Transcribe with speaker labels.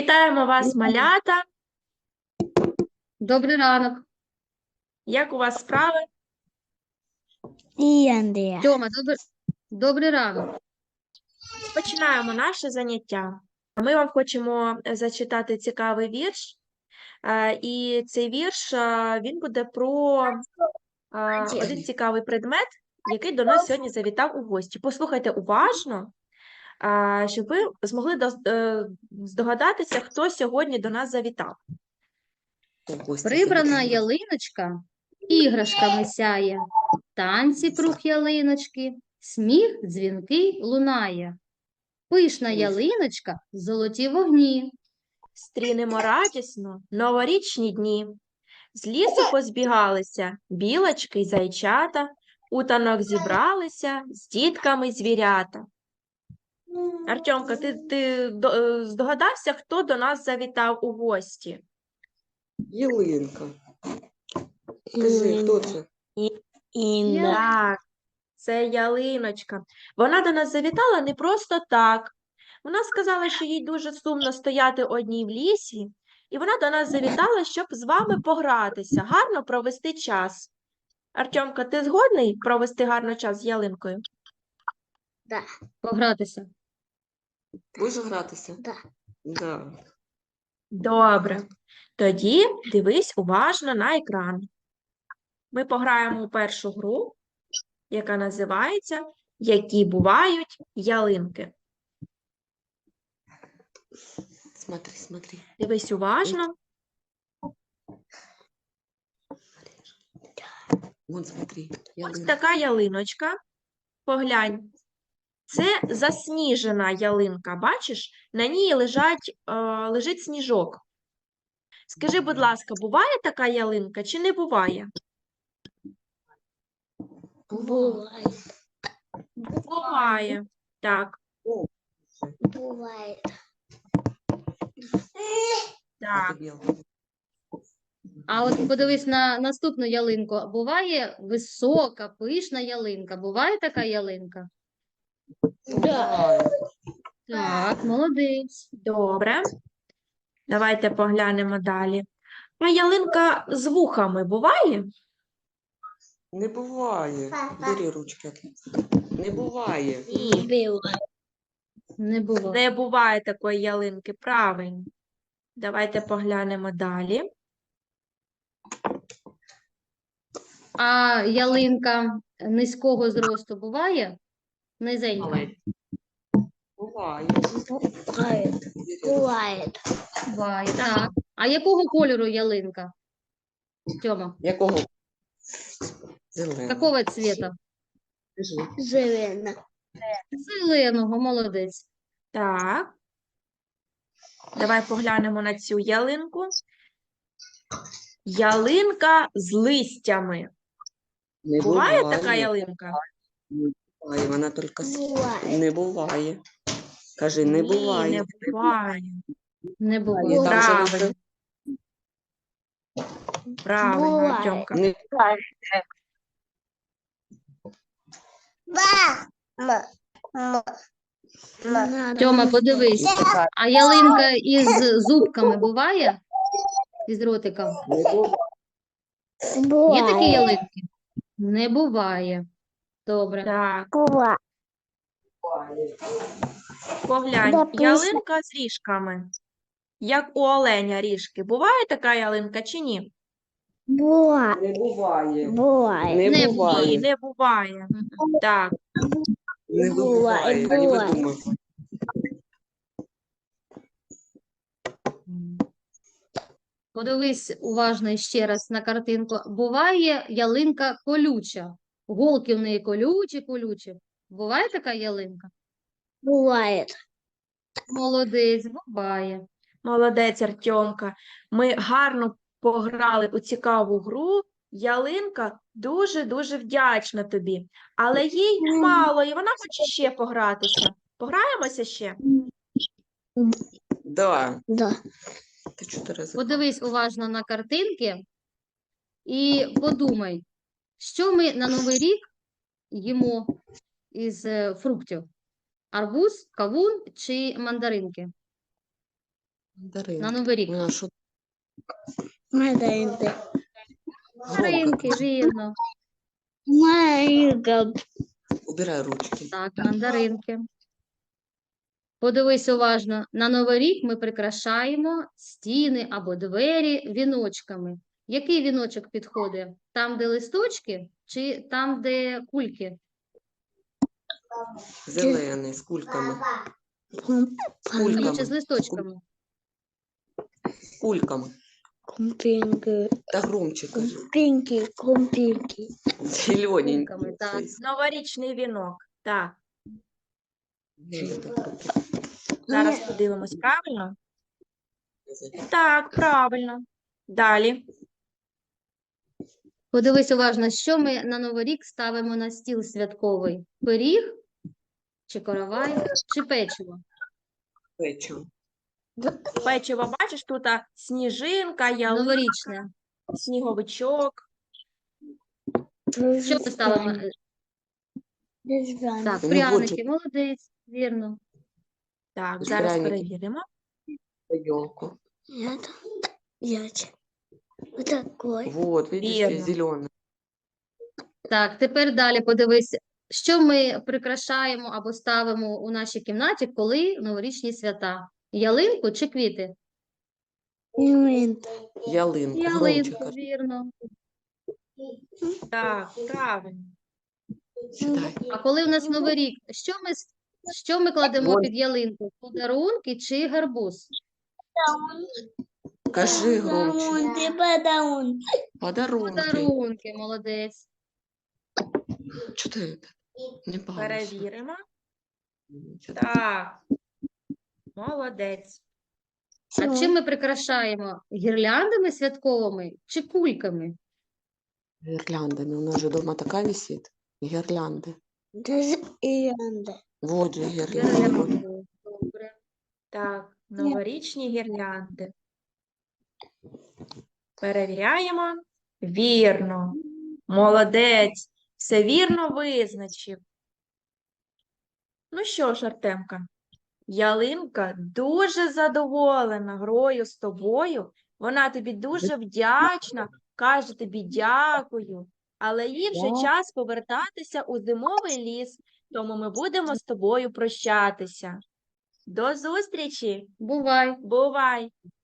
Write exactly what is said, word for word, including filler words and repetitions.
Speaker 1: Вітаємо вас, малята!
Speaker 2: Добрий ранок.
Speaker 1: Як у вас справи?
Speaker 3: І Андрія.
Speaker 2: Тьома, добр... добрий ранок.
Speaker 1: Починаємо наше заняття. Ми вам хочемо зачитати цікавий вірш. Е, І цей вірш, е, він буде про е, один цікавий предмет, який до нас сьогодні завітав у гості. Послухайте уважно, е, щоб ви змогли до- е, здогадатися, хто сьогодні до нас завітав.
Speaker 2: Прибрана ялиночка іграшками сяє. Танці круг ялиночки, сміх дзвінкий лунає. Пишна ялиночка, золоті вогні.
Speaker 1: Стрінемо радісно новорічні дні. З лісу позбігалися білочки й зайчата, у танок зібралися з дітками звірята. Артемка, ти, ти до- е, здогадався, хто до нас завітав у гості?
Speaker 4: Ялинка. Скажи, хто це?
Speaker 3: Інна.
Speaker 1: Так, це ялиночка. Вона до нас завітала не просто так. Вона сказала, що їй дуже сумно стояти одній в лісі, і вона до нас завітала, щоб з вами погратися, гарно провести час. Артемка, ти згодний провести гарно час з ялинкою?
Speaker 2: Погратися.
Speaker 4: Будеш гратися?
Speaker 3: Да.
Speaker 4: Да.
Speaker 1: Добре. Тоді дивись уважно на екран. Ми пограємо у першу гру, яка називається «Які бувають ялинки».
Speaker 4: Смотри, смотри.
Speaker 1: Дивись уважно.
Speaker 4: Вон, смотри.
Speaker 1: Ось
Speaker 4: Ялинка.
Speaker 1: така ялиночка. Поглянь. Це засніжена ялинка. Бачиш? На ній лежать, е, лежить сніжок. Скажи, будь ласка, буває така ялинка чи не буває?
Speaker 3: Буває.
Speaker 1: Буває. Так,
Speaker 3: Буває.
Speaker 1: так.
Speaker 2: А от подивись на наступну ялинку. Буває висока, пишна ялинка. Буває така ялинка?
Speaker 3: Да.
Speaker 2: Так, молодець.
Speaker 1: Добре. Давайте поглянемо далі. А ялинка з вухами буває?
Speaker 4: Не буває. Бери ручки. Не буває.
Speaker 3: Буває.
Speaker 2: Не було.
Speaker 1: Не буває такої ялинки, правильно. Давайте поглянемо далі.
Speaker 2: А ялинка низького зросту буває? Низенька.
Speaker 4: Але буває.
Speaker 3: Буває. Буває.
Speaker 2: Буває, так. А якого кольору ялинка? Тьома,
Speaker 4: Якого? Зеленого.
Speaker 2: какого цвета?
Speaker 4: Скажи.
Speaker 3: Зелена.
Speaker 2: Зеленого, молодець.
Speaker 1: Так. Давай поглянемо на цю ялинку. Ялинка з листями.
Speaker 4: Не
Speaker 1: Буває така ялинка?
Speaker 4: Не буває. Вона тільки с-
Speaker 3: Буває.
Speaker 4: не буває. Кажи, не
Speaker 1: Ні,
Speaker 4: буває.
Speaker 1: не буває.
Speaker 2: Не
Speaker 4: Буває.
Speaker 2: буває.
Speaker 4: Там же
Speaker 1: Правильно.
Speaker 4: лише
Speaker 1: Правильно,
Speaker 3: Буває.
Speaker 1: Артемка.
Speaker 4: не
Speaker 2: Тьома, подивись. А ялинка із зубками буває? Із ротиком?
Speaker 4: не буває.
Speaker 2: Є такі ялинки? Не буває. Добре.
Speaker 1: Так,
Speaker 3: Буває.
Speaker 1: поглянь,
Speaker 3: Да, пісня.
Speaker 1: ялинка з ріжками. Як у оленя ріжки. Буває така ялинка чи ні?
Speaker 3: Буває.
Speaker 4: Не буває.
Speaker 3: Буває.
Speaker 4: Не
Speaker 2: Не
Speaker 1: Ні,
Speaker 4: буває.
Speaker 1: не буває. Так,
Speaker 4: Не
Speaker 3: Буває,
Speaker 4: буває. Не
Speaker 3: буває.
Speaker 4: видумуй.
Speaker 2: Подивись уважно ще раз на картинку. Буває ялинка колюча. Голки в неї колючі, колючі. Буває така ялинка?
Speaker 3: Буває.
Speaker 2: Молодець, буває.
Speaker 1: молодець, Артемка. Ми гарно пограли у цікаву гру. Ялинка дуже-дуже вдячна тобі. Але їй мало, і вона хоче ще погратися. Пограємося ще?
Speaker 4: Да.
Speaker 3: Да.
Speaker 4: Ти чотири рази.
Speaker 2: Подивись уважно на картинки і подумай, що ми на Новий рік їмо із е, фруктів? Арбуз, кавун чи мандаринки?
Speaker 4: Мандарин.
Speaker 2: на Новий рік?
Speaker 4: Вона що
Speaker 3: Мандаринки.
Speaker 2: Мандаринки, вірно.
Speaker 3: Мандаринка.
Speaker 4: убирай ручки.
Speaker 2: Так, мандаринки. Подивись уважно. На Новий рік ми прикрашаємо стіни або двері віночками. Який віночок підходить? Там, де листочки, чи там, де кульки?
Speaker 4: Зелений, з кульками.
Speaker 2: Ні,
Speaker 4: Кульками.
Speaker 2: чи з листочками?
Speaker 4: Кульками.
Speaker 3: Крумпинки.
Speaker 4: Та громче кажи.
Speaker 3: Крумпинки. Крумпинки.
Speaker 4: Зелененький.
Speaker 2: Кульками, так.
Speaker 4: цей.
Speaker 1: Новорічний вінок. Так,
Speaker 4: Ні, так руки.
Speaker 1: зараз подивимось, правильно? Так, правильно. Далі.
Speaker 2: Подивись уважно, що ми на Новий рік ставимо на стіл святковий? Пиріг, чи коровай, чи печиво?
Speaker 4: Печиво.
Speaker 1: Печиво, бачиш, тут а, сніжинка, ялинка,
Speaker 2: Новорічне.
Speaker 1: сніговичок.
Speaker 2: Що ми ставимо? Е,
Speaker 3: Різдвяний.
Speaker 2: Так,
Speaker 4: Ну,
Speaker 2: пряники, молодець, вірно.
Speaker 1: Так, зараз
Speaker 4: Пряники.
Speaker 1: перевіримо.
Speaker 4: Елку.
Speaker 3: Это яйца. Вот такой.
Speaker 4: Вот, видишь,
Speaker 1: Вірно.
Speaker 4: здесь зеленый.
Speaker 2: Так, тепер далі подивись, що ми прикрашаємо або ставимо у нашій кімнаті, коли новорічні свята? Ялинку чи квіти?
Speaker 3: Ялинка.
Speaker 4: Ялинку. Громче
Speaker 2: Ялинку,
Speaker 4: кажи.
Speaker 2: вірно.
Speaker 1: Так, правильно.
Speaker 4: Читай.
Speaker 2: А коли у нас Новий рік, що ми, с- що ми кладемо
Speaker 4: Вон.
Speaker 2: під ялинку? Подарунки чи гарбуз?
Speaker 4: Кажи громче.
Speaker 3: Подарунки, подарунки.
Speaker 4: Подарунки.
Speaker 2: Подарунки, молодець.
Speaker 4: Что ты это? Не балуйся.
Speaker 1: Перевіримо.
Speaker 4: Чё ты?
Speaker 1: Так. Молодець.
Speaker 2: А чим ми прикрашаємо? Гірляндами святковими чи кульками?
Speaker 4: Гирляндами. У нас же дома такая висит. Гирлянды.
Speaker 3: Даже Иранда.
Speaker 4: Вот же гирлянды. Вот.
Speaker 2: Гірляндами. Добре.
Speaker 1: Так, новорічні гірлянди. Перевіряємо. Вірно. Молодець. Все вірно визначив. Ну що ж, Артемка, ялинка дуже задоволена грою з тобою. Вона тобі дуже вдячна, каже тобі дякую. Але їй вже
Speaker 4: Так.
Speaker 1: час повертатися у зимовий ліс, тому ми будемо з тобою прощатися. До зустрічі!
Speaker 2: Бувай.
Speaker 1: Бувай!